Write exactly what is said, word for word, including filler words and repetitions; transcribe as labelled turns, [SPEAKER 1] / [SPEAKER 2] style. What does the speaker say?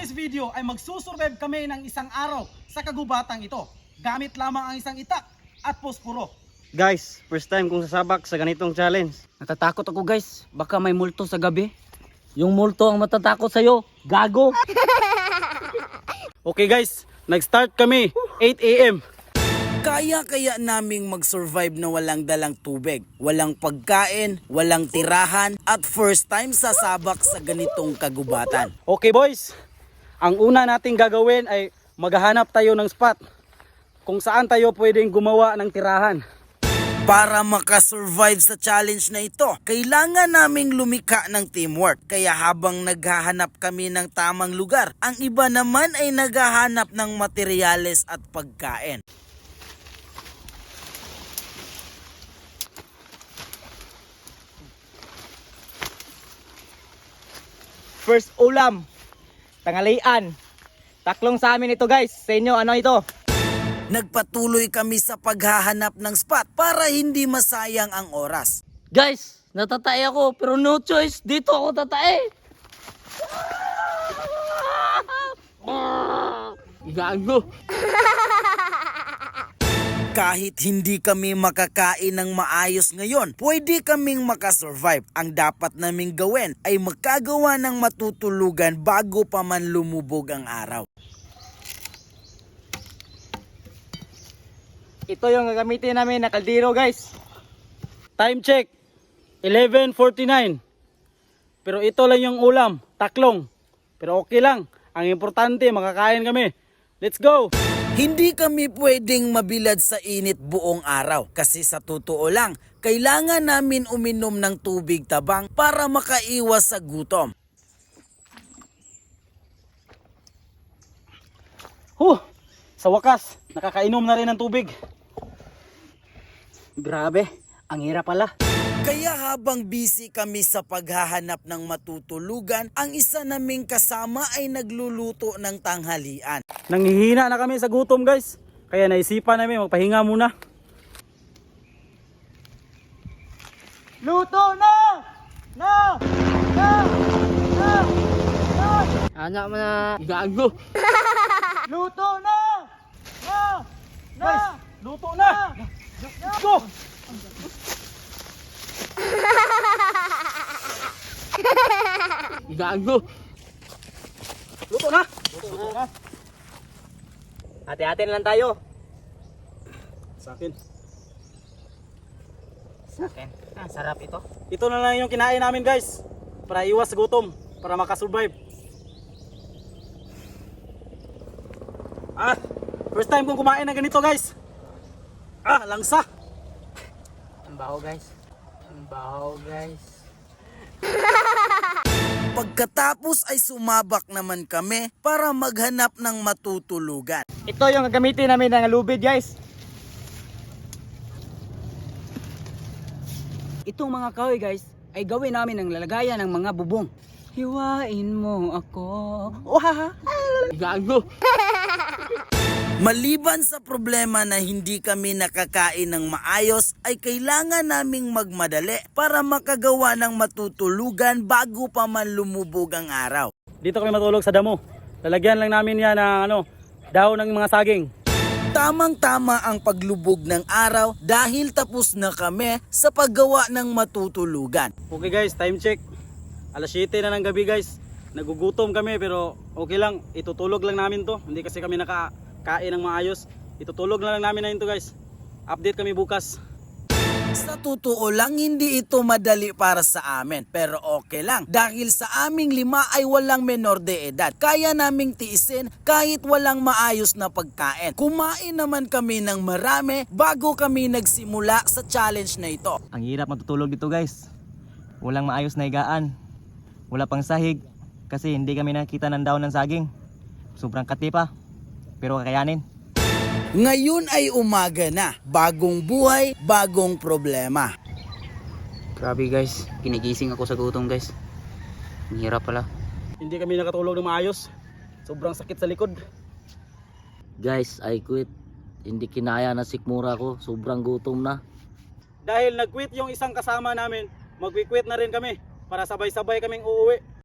[SPEAKER 1] this video ay magsusurvive kami ng isang araw sa kagubatang ito. Gamit lamang ang isang itak at posporo.
[SPEAKER 2] Guys, first time kong sasabak sa ganitong challenge.
[SPEAKER 3] Natatakot ako guys, baka may multo sa gabi. Yung multo ang matatakot sa'yo, gago.
[SPEAKER 2] Okay guys, nag-start kami eight A M
[SPEAKER 4] Kaya-kaya naming mag-survive na walang dalang tubig, walang pagkain, walang tirahan, at first time sasabak sa ganitong kagubatan.
[SPEAKER 2] Okay boys, ang una nating gagawin ay maghahanap tayo ng spot kung saan tayo pwedeng gumawa ng tirahan.
[SPEAKER 4] Para makasurvive sa challenge na ito, kailangan naming lumikha ng teamwork. Kaya habang naghahanap kami ng tamang lugar, ang iba naman ay naghahanap ng materyales at pagkain.
[SPEAKER 3] First ulam, tanghalian. Taklong sa amin ito guys, sa inyo ano ito?
[SPEAKER 4] Nagpatuloy kami sa paghahanap ng spot para hindi masayang ang oras.
[SPEAKER 3] Guys, natatay ako pero no choice, dito ako tatae. Gago.
[SPEAKER 4] Kahit hindi kami makakain ng maayos ngayon, pwede kaming makasurvive. Ang dapat naming gawin ay magkagawa ng matutulugan bago pa man lumubog ang araw.
[SPEAKER 3] Ito yung gagamitin namin na kaldero guys.
[SPEAKER 2] Time check, eleven forty-nine. Pero ito lang yung ulam, taklong. Pero okay lang, ang importante makakain kami. Let's go!
[SPEAKER 4] Hindi kami pwedeng mabilad sa init buong araw kasi sa totoo lang, kailangan namin uminom ng tubig tabang para makaiwas sa gutom.
[SPEAKER 2] Huh! Sa wakas, nakakainom na rin ng tubig.
[SPEAKER 3] Grabe, ang hirap pala.
[SPEAKER 4] Kaya habang busy kami sa paghahanap ng matutulugan, ang isa naming kasama ay nagluluto ng tanghalian.
[SPEAKER 2] Nanghihina na kami sa gutom guys. Kaya naisipan namin magpahinga muna.
[SPEAKER 3] Luto na! Na! Na! Na! Na! Anak mo na gago. Luto na! Na! Na!
[SPEAKER 2] Guys, luto na! Let's go!
[SPEAKER 3] Gago.
[SPEAKER 2] Luto na! Luto na!
[SPEAKER 3] Hati-hati na lang tayo.
[SPEAKER 2] Sa akin.
[SPEAKER 3] Sa akin. Ah, sarap ito.
[SPEAKER 2] Ito na lang yung kinain namin guys. Para iwas sa gutom. Para makasurvive. Ah! First time kong kumain ng ganito guys. Ah! Langsa!
[SPEAKER 3] Ang baho guys. Ang baho guys.
[SPEAKER 4] Pagkatapos ay sumabak naman kami para maghanap ng matutulugan.
[SPEAKER 3] Ito yung gagamitin namin ng lubid guys. Itong mga kahoy guys ay gawin namin ng lalagayan ng mga bubong. Hiwain mo ako. Wahaha. Gago.
[SPEAKER 4] Maliban sa problema na hindi kami nakakain ng maayos, ay kailangan naming magmadali para makagawa ng matutulugan bago pa man lumubog ang araw.
[SPEAKER 2] Dito kami matulog sa damo. Lalagyan lang namin yan ng ano, dahon ng mga saging.
[SPEAKER 4] Tamang-tama ang paglubog ng araw dahil tapos na kami sa paggawa ng matutulugan.
[SPEAKER 2] Okay guys, time check. Alas siyete na ng gabi guys. Nagugutom kami pero okay lang. Itutulog lang namin to. Hindi kasi kami nakakain ng maayos. Itutulog na lang namin na ito guys. Update kami bukas.
[SPEAKER 4] Sa totoo lang, hindi ito madali para sa amin. Pero okay lang. Dahil sa aming lima ay walang menor de edad. Kaya naming tiisin kahit walang maayos na pagkain. Kumain naman kami ng marami bago kami nagsimula sa challenge na ito.
[SPEAKER 5] Ang hirap matutulog dito guys. Walang maayos na higaan. Wala pang sahig kasi hindi kami nakita ng daon ng saging. Sobrang katipa pero kakayanin.
[SPEAKER 4] Ngayon ay umaga na. Bagong buhay, bagong problema.
[SPEAKER 3] Grabe guys, kinigising ako sa gutom guys. Ang hirap pala.
[SPEAKER 2] Hindi kami nakatulog ng maayos. Sobrang sakit sa likod.
[SPEAKER 6] Guys, I quit. Hindi kinaya na sikmura ko. Sobrang gutom na.
[SPEAKER 2] Dahil nag-quit yung isang kasama namin, mag-quit na rin kami para sabay-sabay kaming uuwi.